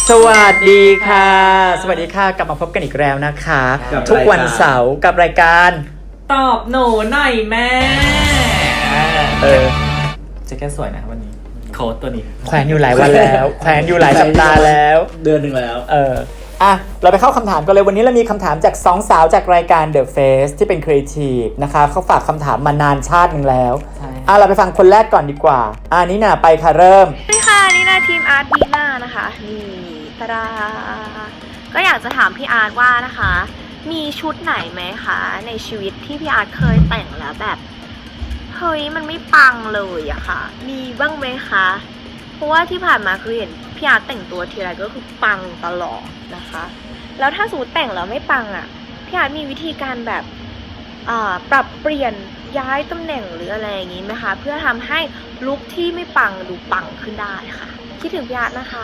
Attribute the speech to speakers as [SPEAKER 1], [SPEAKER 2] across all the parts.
[SPEAKER 1] สวัสดีค่ะสวัสดีค่ะกลับมาพบกันอีกแล้วนะคะทุกวันเสาร์กับรายการ
[SPEAKER 2] ตอบหนูหน่อยแม่จะแค่สวยนะวันนี้โค้ดตัวนี้
[SPEAKER 1] แขวนอยู่หลายวันแล้วแขวนอยู่หลายสัปดาห์แล้ว
[SPEAKER 3] เดือนหนึ่งแล้ว
[SPEAKER 1] เราไปเข้าคำถามกันเลยวันนี้เรามีคำถามจาก2 สาวจากรายการ The Face ที่เป็นครีเอทีฟนะคะเขาฝากคำถามมานานชาติหนึ่งแล้วเราไปฟังคนแรกก่อนดีกว่านี่นะไปค่ะเริ่ม
[SPEAKER 4] สวัสดีค่ะนี่นะทีมอาร์ตดีน่านะคะนี่ตาดาก็อยากจะถามพี่อาร์ตว่านะคะมีชุดไหนไหมคะในชีวิตที่พี่อาร์ตเคยแต่งแล้วแบบเฮ้ยมันไม่ปังเลยอะค่ะมีบ้างไหมคะเพราะว่าที่ผ่านมาคือเห็นพี่อาร์ตแต่งตัวทีไรก็คือปังตลอดนะคะแล้วถ้าสมมติแต่งแล้วไม่ปังอะพี่อาร์ตมีวิธีการแบบปรับเปลี่ยนย้ายตำแหน่งหรืออะไรอย่างนี้ไหมคะเพื่อทำให้ลุคที่ไม่ปังดูปังขึ้นได้ค่ะคิดถึงพี่อาร์ตนะคะ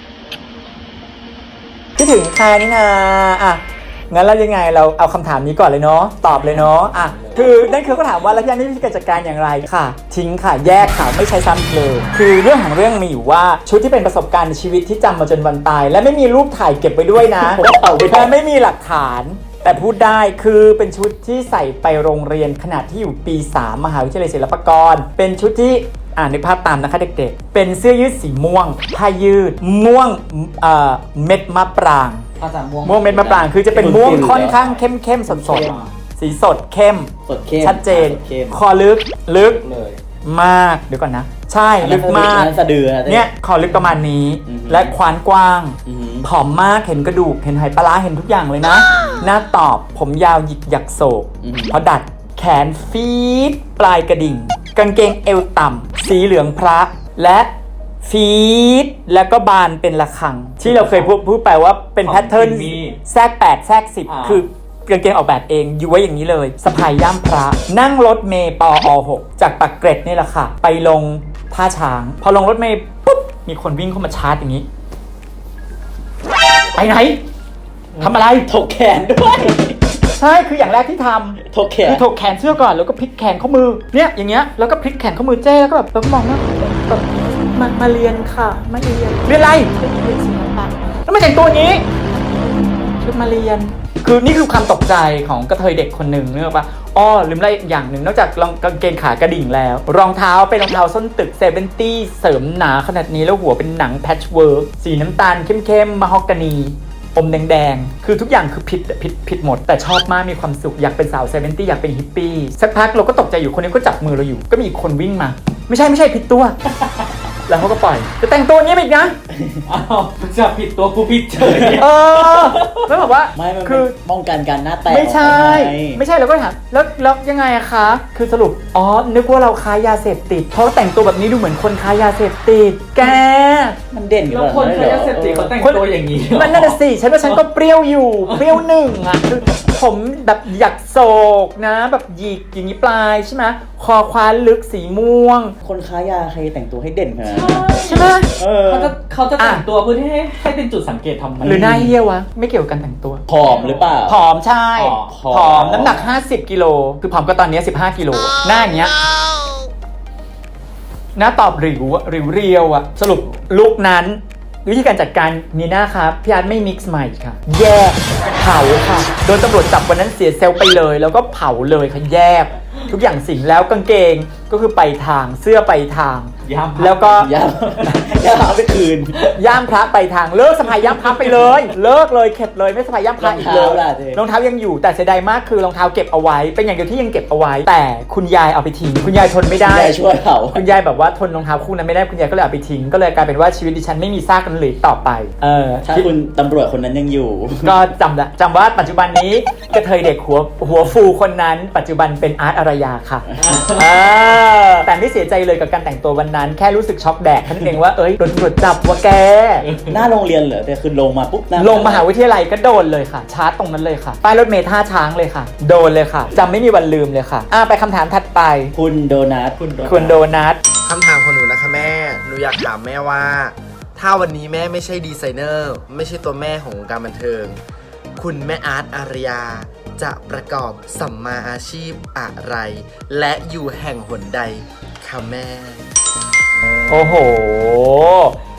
[SPEAKER 1] คิดถึงใครนี่นะงั้นแล้วยังไงเราเอาคำถามนี้ก่อนเลยเนาะตอบเลยเนาะคือนั่นคือเขาถามว่าแล้วพี่อาร์ตมีวิธีการจัดการอย่างไรค่ะทิ้งค่ะแยกค่ะไม่ใช้ซ้ำอีกเลยคือเรื่องของเรื่องมีอยู่ว่าชุดที่เป็นประสบการณ์ในชีวิตที่จำมาจนวันตายและไม่มีรูปถ่ายเก็บไว้ด้วยนะแต่ไม่มีหลักฐานแต่พูดได้คือเป็นชุดที่ใส่ไปโรงเรียนขณะที่อยู่ปี 3 มหาวิทยาลัยศิลปากรเป็นชุดที่นึกภาพตามนะคะเด็กๆเป็นเสื้อยืดสีม่วงผ้ายืดม่วงเม็ดมะปรางม่วงเม็ดมะปรางคือจะเป็นม่วงค่อนข้างเข้มสดสีสดเข้มชัดเจนคอลึกเลยมากเดี๋ยวก่อนนะใช่ลึกมากเนี่ยคอลึกประมาณนี้และควานกว้างผอมมากเห็นกระดูกเห็นไหปลาร้าเห็นทุกอย่างเลยนะหน้าตอบผมยาวหยิกหยักโศกพอดัดแขนฟีดปลายกระดิ่งกางเกงเอวต่ำสีเหลืองพระและฟีดแล้วก็บานเป็นระฆังที่เราเคยพูดไปว่าเป็นแพทเทิร์นแทรก8แทรก10คือกางเกงออกแบบเองอยู่ไว้อย่างนี้เลยสะพายย่ามพระนั่งรถเมล์ปอ6จากปากเกร็ดนี่แหละค่ะไปลงท่าช้างพอลงรถเมล์ปุ๊บมีคนวิ่งเข้ามาชาร์จอย่างนี้ไปไหนทำอะไร
[SPEAKER 3] ถกแขนด้วย
[SPEAKER 1] ใช่คืออย่างแรกที่ทำ
[SPEAKER 3] ถกแขน
[SPEAKER 1] คือถกแขนเสื้อก่อนแล้วก็พลิกแขนข้อมือเนี่ยอย่างเงี้ยแล้วก็พลิกแขนข้อมือเจ้แล้วก็แบบเราก็มองว่าแบบมาเรียนค่ะมาเรียนอะไรเรียนศิลปะแล้วมาแต่งตัวอย่างนี้ชุดมาเรียนคือนี่คือความตกใจของกระเทยเด็กคนหนึ่งนึกออกปะลืมอะไรอย่างหนึ่งนอกจากกางเกงขากระดิ่งแล้วรองเท้าเป็นรองเท้าส้นตึก70เสริมหนาขนาดนี้แล้วหัวเป็นหนังแพทช์เวิร์กสีน้ำตาลเข้มๆมะฮอกกานีอมแดงๆคือทุกอย่างคือผิดหมดแต่ชอบมากมีความสุขอยากเป็นสาว70อยากเป็นฮิปปี้สักพักเราก็ตกใจอยู่คนนี้ก็จับมือเราอยู่ก็มีอีกคนวิ่งมาไม่ใช่ผิดตัวแล้วเขาก็ปล่อยจะแต่งตัวนี้อีกนะ
[SPEAKER 2] จะผิดตัวกูผิดเฉย
[SPEAKER 1] แล้วบอกว่า
[SPEAKER 3] คือป้องกันการหน้าแตก
[SPEAKER 1] ไม่ใช่แล้วก็ถามแล้วยังไงอะคะคือสรุปนึกว่าเราค้ายาเสพติดเพราะแต่งตัวแบบนี้ดูเหมือนคนค้ายาเสพติดแก
[SPEAKER 3] มันเด่นอยู่
[SPEAKER 2] แล้วคนค้ายาเสพติดเขาแต่งตัวอย่างนี้
[SPEAKER 1] มันนั่นสิฉันว่าฉันก็เปรี้ยวอยู่เปรี้ยวหนึ่งอะคือผมแบบหยักโศกนะแบบหยิกอย่างนี้ปลายใช่ไหมคอคว้าลึกสีม่วง
[SPEAKER 3] คนค้ายาใครแต่งตัวให้เด่นขนาด
[SPEAKER 1] ใช่ไหม
[SPEAKER 2] เขาจะแต่งตัวเพื่อที่ให้เป็นจุดสังเกตทำไม
[SPEAKER 1] หรือหน้าเหี้ยวะไม่เกี่ยวกันแต่งตัว
[SPEAKER 3] ผอมหรือเปล่า
[SPEAKER 1] ผอมใช่ผอมน้ำหนัก50 กิโลคือผอมก็ตอนนี้15 กิโลหน้าอย่างเงี้ยหน้าตอบริ้วเรียวอะสรุปลุคนั้นวิธีการจัดการนี่นะครับพี่อาร์ตไม่มิกซ์ใหม่ค่ะแยกเผาค่ะโดนตำรวจจับวันนั้นเสียเซลล์ไปเลยแล้วก็เผาเลยค่ะแยกทุกอย่างสิ่งแล้วกางเกงก็คือไปทางเสื้อไปทางแล้วก็
[SPEAKER 3] ย่ามไปคืน
[SPEAKER 1] ย่ามพระไปทางเลิกสะพายย่ามพระไปเลยเลิกเลยเข็ดเลยไม่สะพายย่ามพระอีกเลยรองเท้ายังอยู่แต่เสียดายมากคือรองเท้าเก็บเอาไว้เป็นอย่างเดียวที่ยังเก็บเอาไว้แต่คุณยายเอาไปทิ้งคุณยายทนไม่ได้
[SPEAKER 3] ช่วยเขา
[SPEAKER 1] คุณยายแบบว่าทนรองเท้าคู่นั้นไม่ได้คุณยายก็เลยเอาไปทิ้งก็เลยกลายเป็นว่าชีวิตดิฉันไม่มีซากกันเหลือต่อไป
[SPEAKER 3] ถ้าคุณตำรวจคนนั้นยังอยู่
[SPEAKER 1] ก็จำว่าปัจจุบันนี้กระเทยเด็กหัวฟูคนนั้นปัจจุบันเป็นอาร์ตอารยาค่ะแต่ไม่เสียใจเลยกับการแต่งตัววันนั้นแค่รู้สึกช็อกแดกท่านเองว่าโดนตำรวจจับว่าแก
[SPEAKER 3] หน้าโรงเรียนเหรอแต่คือลงมาปุ๊บ
[SPEAKER 1] ลงมหาวิทยาลัยก็โดนเลยค่ะชาร์จตรงนั้นเลยค่ะป้ายรถเมล์ท่าช้างเลยค่ะโดนเลยค่ะจำไม่มีวันลืมเลยค่ะไปคำถามถัดไป
[SPEAKER 3] คุณโดนัท
[SPEAKER 1] คุณโดนัท
[SPEAKER 5] คำถามของหนูนะคะแม่หนูอยากถามแม่ว่าถ้าวันนี้แม่ไม่ใช่ดีไซเนอร์ไม่ใช่ตัวแม่ของวงการบันเทิงคุณแม่อาร์ตอารยาจะประกอบสัมมาอาชีพอะไรและอยู่แห่งหนใดคะแม่
[SPEAKER 1] โอ้โห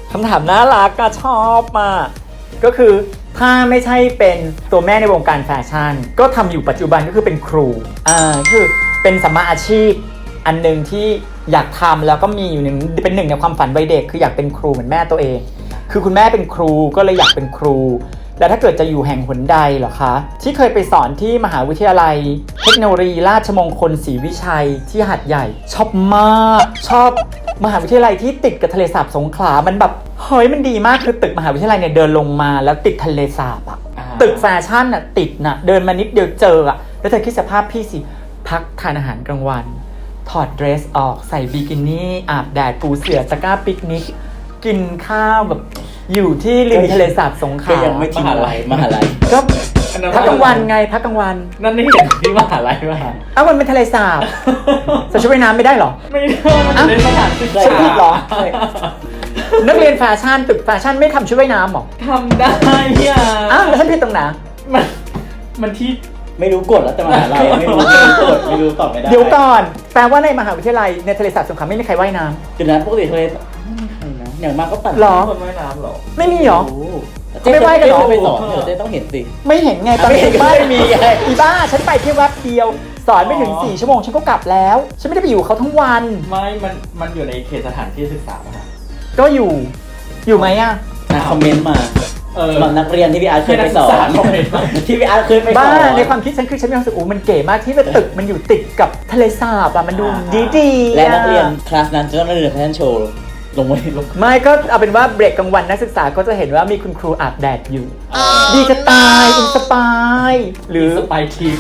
[SPEAKER 1] คำถามน่ารักก็ชอบมากก็คือถ้าไม่ใช่เป็นตัวแม่ในวงการแฟชั่นก็ทำอยู่ปัจจุบันก็คือเป็นครูคือเป็นสัมมาอาชีพอันหนึ่งที่อยากทำแล้วก็มีอยู่เป็นหนึ่งในความฝันวัยเด็กคืออยากเป็นครูเหมือนแม่ตัวเองคือคุณแม่เป็นครูก็เลยอยากเป็นครูแล้วถ้าเกิดจะอยู่แห่งหนใดเหรอคะที่เคยไปสอนที่มหาวิทยาลัยเทคโนโลยีราชมงคลศรีวิชัยที่หาดใหญ่ชอบมากชอบมหาวิทยาลัยที่ติดกับทะเลสาบสงขลามันแบบเฮ้ยมันดีมากคือตึกมหาวิทยาลัยเนี่ยเดินลงมาแล้วติดทะเลสาบอะตึกแฟชั่นอะติดนะเดินมานิดเดียวเจออะแล้วเธอคิดสภาพพี่สิพักทานอาหารกลางวันถอดเดรสออกใส่บิกินี่อาบแดดปูเสื่อตะกร้าปิกนิกกินข้าวแบบอยู่ที่ริมทะเลสาบสงขลา
[SPEAKER 3] ก็ยังไม่ทิ้งอะไรมหาลัย
[SPEAKER 1] ก็พักกลางวันไงพักกลางวัน
[SPEAKER 2] นั่นนี่เห็นที่มหาลัยป่ะ
[SPEAKER 1] อ้าวมันเป็นทะเลสาบใส่ชุดว่ายน้ำไม่ได้หรอ
[SPEAKER 2] ไม่ได้มันเป็นสถานศึกษา
[SPEAKER 1] ฉันผิดเหรอ นักเรียนแฟชั่นตึกแฟชั่นไม่ทำชุดว่ายน้ำหรอ
[SPEAKER 2] ทำได้พี่อา
[SPEAKER 1] อ้าวแล้วฉันผิดตรงไหน
[SPEAKER 2] มันที่
[SPEAKER 3] ไม่รู้กฎแล้วแต่มหาลัยไม่รู้กฎไม่รู้ตอบไม่ได้
[SPEAKER 1] เดี๋ยวก่อนแปลว่าในมหาวิทยาลัยในทะเลสาบสงขลาไม่มีใครว่ายน้
[SPEAKER 3] เดี๋ยวนะปกติทะเลไม่มีใครนะอย่างมากก็ปั่น
[SPEAKER 1] หรอ
[SPEAKER 2] คนว่ายน้ำหรอ
[SPEAKER 1] ไม่มีหรอ
[SPEAKER 3] โอ้
[SPEAKER 1] ไม่ไหว้กันเหรอ
[SPEAKER 3] ไปสอนเดี๋ยวเจ๊ต้องเห็นสิ
[SPEAKER 1] ไม่เห็นไงตอน
[SPEAKER 3] ไม่เห็นก็ไม่มีไง
[SPEAKER 1] อีบ้าฉันไปแค่แวบเดียว สอนไม่ถึง4 ชั่วโมงฉันก็กลับแล้วฉันไม่ได้ไปอยู่กับเขาทั้งวัน
[SPEAKER 2] ไม่มันอยู่ในเขตสถานที่ศึกษาป่ะ
[SPEAKER 1] ก็อยู่ไหมอะ
[SPEAKER 3] คอมเมนต์มาสำหรับนักเรียนที่พี่อาร์ตเคยไปสอน
[SPEAKER 2] คอมเมนต์มา
[SPEAKER 3] ที่พี่อาร์ตเคยไปสอน
[SPEAKER 1] บ้าในความคิดฉันคือฉันมีความรู้สึกมันเก๋มากที่ตึกมันอยู่ติดกับทะเลสาบอะมันดูดีๆ
[SPEAKER 3] และนักเรียนคลาสนั้นจะต้องเรียนแฟชั่นโชว์ลงไว้ลง
[SPEAKER 1] ไม่ก็เอาเป็นว่าเบรกกลางวันนักศึกษาก็จะเห็นว่ามีคุณครูอาบแดดอยู่ ดีจะตายอินสปายหรือ
[SPEAKER 2] สไปทิป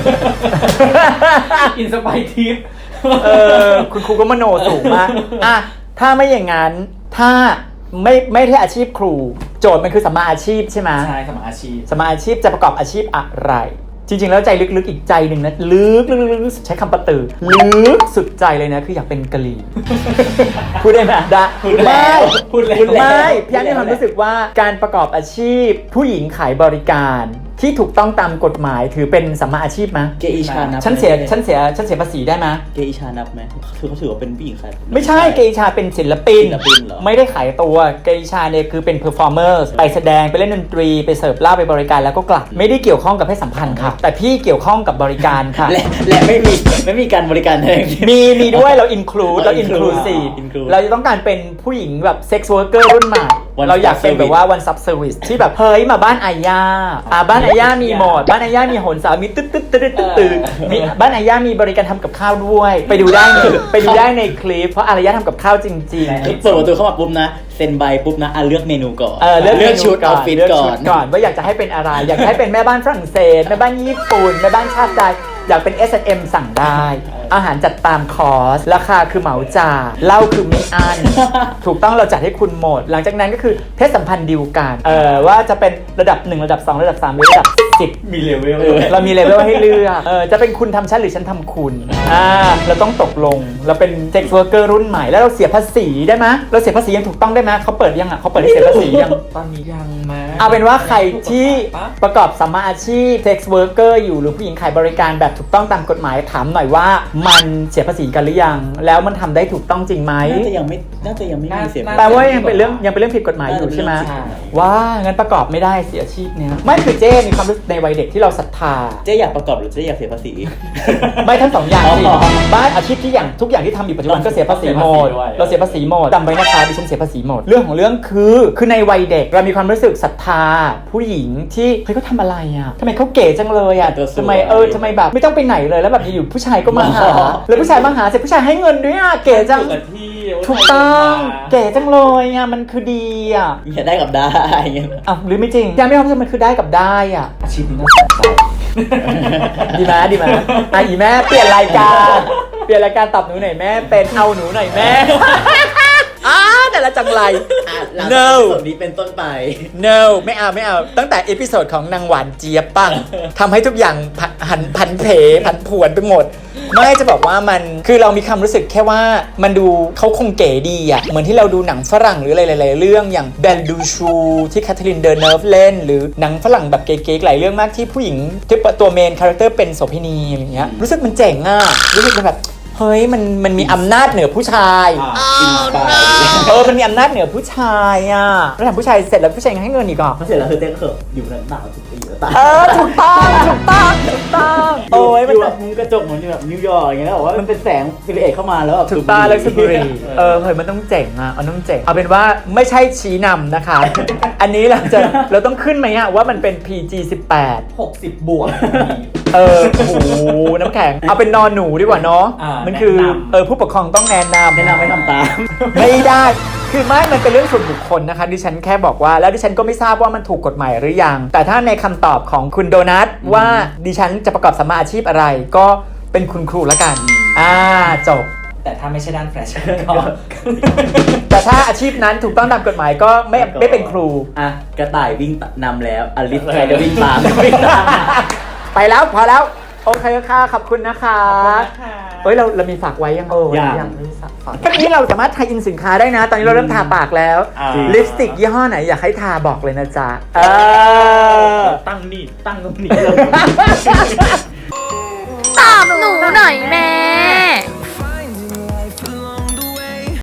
[SPEAKER 2] อินสไปทิป
[SPEAKER 1] คุณครูก็มโนสูงมากอ่ะถ้าไม่อย่างนั้นถ้าไม่ได้อาชีพครู โจทย์มันคือสัมมาอาชีพใช่ไหม
[SPEAKER 2] ใช่สมัครอาชีพ
[SPEAKER 1] สัมมาอาชีพจะประกอบอาชีพอะไร จริงๆแล้วใจลึกๆอีกใจหนึ่งนะลึกใช้คำประตือลึกสุดใจเลยนะคืออยากเป็นกะหรี่ พูดได้ไหมได้
[SPEAKER 2] พูดแล้ว
[SPEAKER 1] ไม่พี่อันมีความรู้สึกว่าการประกอบอาชีพผู้หญิงขายบริการที่ถูกต้องตามกฎหมายถือเป็นสัมมาอาชีพไหม
[SPEAKER 3] เกอิชานับ
[SPEAKER 1] ฉันเสียภาษีได้ไหม
[SPEAKER 3] เกอิชานับไหมเขาถือว่าเป็นผู้หญิงขาย
[SPEAKER 1] ไม่ใช่เกอิชาเป็นศิลปิน
[SPEAKER 3] เหรอ
[SPEAKER 1] ไม่ได้ขายตัวเกอิชาเนี่ยคือเป็นเพอร์ฟอร์เมอร์ไปแสดงไปเล่นดนตรีไปเสิร์ฟเหล้าไปบริการแล้วก็กลับไม่ได้เกี่ยวข้องกับเพศสัมพันธ์ค่ะแต่พี่เกี่ยวข้องกับบริการค่ะ
[SPEAKER 3] และไม่มีการบริการแทน
[SPEAKER 1] มีด้วยเรา include เรา inclusive
[SPEAKER 3] include
[SPEAKER 1] เราจะต้องการเป็นผู้หญิงแบบ sex worker รุ่นใหม่
[SPEAKER 3] One
[SPEAKER 1] เราอยาก
[SPEAKER 3] stop
[SPEAKER 1] เป็นแบบว่า one stop service ที่แบบเฮ้ยมาบ้านอาญาบ้านอาญามีหมดบ้านอาญามีโหนสาวมีตึ๊ดมีบ้านอาญามีบริการทำกับข้าวด้วย ไปดูได้ในคลิปเพราะอารยาทำกับข้าวจริง
[SPEAKER 3] เปิดประตูเข้ามาปุ๊บนะเซ็นใบปุ๊บนะเลือกเมนูก่อน
[SPEAKER 1] เลือก
[SPEAKER 3] ชุดเอาฟิต
[SPEAKER 1] เลือก
[SPEAKER 3] ก่อ
[SPEAKER 1] ชุ
[SPEAKER 3] น
[SPEAKER 1] ดก่อนว่าอยากจะให้เป็นอะไร อยากจะให้เป็นแม่บ้านฝรั่งเศสแม่บ้านญี่ปุ่นแม่บ้านชาติใดอยากเป็น S&M สั่งได้ อาหารจัดตามคอร์สราคาคือเหมาจ่ายเหล้าคือไม่อั้น ถูกต้องเราจัดให้คุณหมด หลังจากนั้นก็คือเพศสัมพันธ์ดีลกันว่าจะเป็นระดับ1ระดับ2ระดับ3หรือระดับ10
[SPEAKER 2] มีเลเวล
[SPEAKER 1] เรามีเลเวลให้เลือกจะเป็นคุณทำฉันหรือฉันทำคุณเราต้องตกลงเราเป็นเซ็กซ์เวิร์กเกอร์รุ่นใหม่แล้วเราเสียภาษีได้ไหมเราเสียภาษียังถูกต้องได้ไหมเขาเปิดยังเขาเปิดให้เสียภาษียัง
[SPEAKER 2] ตอนนี้ยังมา
[SPEAKER 1] เอาเป็นว่าใครที่ประกอบสัมมาอาชีพ sex worker อยู่หรือผู้หญิงขายบริการแบบถูกต้องตามกฎหมายถามหน่อยว่ามันเสียภาษีกันหรือยังแล้วมันทำได้ถูกต้องจริงไหม
[SPEAKER 3] น่าจะยังไม่มีเสียง
[SPEAKER 1] แปลว่ายังเป็นเรื่องผิดกฎหมายอยู่ใช่ไหมว่างั้นประกอบไม่ได้เสียอาชีพเนี้ยไม่คือเจ้มีความรู้สึกในวัยเด็กที่เราศรัทธา
[SPEAKER 3] เจ๊อยากประกอบหรือเจ๊อยากเสียภาษี
[SPEAKER 1] ไม่ทั้งสองอย่างสิ
[SPEAKER 3] อ๋อ
[SPEAKER 1] บ้านอาชีพที่อย่างทุกอย่างที่ทำอยู่ปัจจุบันก็เสียภาษีหมดเราเสียภาษีหมดจำไว้นะคะดิฉันเสียภาษีหมดเรื่องของเรื่องคือในวัยเด็กเรามีความรู้สึกศรัทธาผู้หญิงที่เฮ้ยเขาทำอะไรอ่ะทำไมเขาเก๋จังเลยอ่ะทำไมแบบไม่ต้องไปไหนเลยแล้วแบบอยู่ผู้ชายก็มาหาแล้วผู้ชายมาหาเสร็จผู้ชายให้เงินด้วยอ่ะเก๋จัง
[SPEAKER 2] ที่
[SPEAKER 1] ถูกต้องเก๋จังเลยอ่ะมันคือดีอ่ะ
[SPEAKER 3] อยากได้กับได้เงี้ย
[SPEAKER 1] อ่ะหรือไม่จริงยังไม่ความรู้สึกมันคือได้กับได้อ่ะ
[SPEAKER 2] อาชีพนี้น่าสนใจ
[SPEAKER 1] ดีไหมอีแม่เปลี่ยนรายการตอบหนูหน่อยแม่เป็นเอาหนูหน่อยแม่ แต่ละจังไร
[SPEAKER 3] no ส่วนนี้เป็นต้นไป
[SPEAKER 1] no ไม่เอาตั้งแต่เอพิโซดของนางหวานเจี๊ยบปังทำให้ทุกอย่างผันผวนไปหมด ไม่จะบอกว่ามันคือเรามีความรู้สึกแค่ว่ามันดูเขาคงเก๋ดีอ่ะเหมือนที่เราดูหนังฝรั่งหรืออะไรหลายๆเรื่องอย่างเบลดูชูที่แคทเธอรีนเดอร์เนิร์ฟเล่นหรือหนังฝรั่งแบบเก๋ๆหลายเรื่องมากที่ผู้หญิงที่ตัวเมนคาแรคเตอร์เป็นโสเภณีอะไรอย่างเงี้ยรู้สึกมันเจ๋งอ่ะรู้สึกมันแบบเฮ้ยมันมีอำนาจเหนือผู้ชาย
[SPEAKER 3] อินสปาย
[SPEAKER 1] มันมีอำนาจเหนือผู้ชายอ่ะแล้วถามผู้ชายเสร็จแล้วผู้ชายยังให้เงินอีกเหรอ
[SPEAKER 3] เสร็จแล้วคือเต้นเขิบอยู่นั้นหนาวทุกปีแล้วตาย
[SPEAKER 1] ถูกต้องโอ้ย
[SPEAKER 3] อ
[SPEAKER 1] มัน
[SPEAKER 3] ยู่แบบมุมกระจกเหมือนแบบนิวยอร์กอย่างเงี้ยแล้วบอกว่ามันเป็นแสงซิลิเอทเข้ามาแล้วแบบ
[SPEAKER 1] ถูกต้องแล้วสุบุรีเฮ้ยมันต้องเจ๋งอ่ะมันต้องเจ๋งเอาเป็นว่าไม่ใช่ชี้นำนะคะ อันนี้เราต้องขึ้นไหมอ่ะว่ามันเป็น PG 18
[SPEAKER 2] 60 บวก
[SPEAKER 1] โอ้โหน้ำแข็งเอาเป็นนอนหนูดีกว่าเนาะ มันคือ
[SPEAKER 2] แนะนำ
[SPEAKER 1] ผู้ปกครองต้องแนะนำ
[SPEAKER 3] แนะนำไม่ทำตาม
[SPEAKER 1] ไม่ได้ คือไม่มันเป็นเรื่องส่วนบุคคลนะคะดิฉันแค่บอกว่าแล้วดิฉันก็ไม่ทราบว่ามันถูกกฎหมายหรือยังแต่ถ้าในคำตอบของคุณโดนัทว่าดิฉันจะประกอบสัมมาอาชีพอะไร ก็เป็นคุณครูละกันจบ
[SPEAKER 2] แต่ถ้าไม่ใช่ด้านแฟชั่นก็
[SPEAKER 1] แต่ถ้าอาชีพนั้นถูกต้องตามกฎหมายก็ไม่เป็นครู
[SPEAKER 3] อ่ะกระต่ายวิ่งนำแล้วอลิสใครจะวิ่งตาม
[SPEAKER 1] ไปแล้วพอแล้วโอเคค่ะขอบคุณนะคะเฮ้ยเรามีฝากไว้ยังยังไม่ฝากตอนนี้เราสามารถทายอินสินค้าได้นะ ตอนนี้เราเริ่มทาปากแล้วลิปสติกยี่ห้อไหนอยากให้ทาบอกเลยนะจ๊ะ
[SPEAKER 3] ตั้งตรงนี้เลย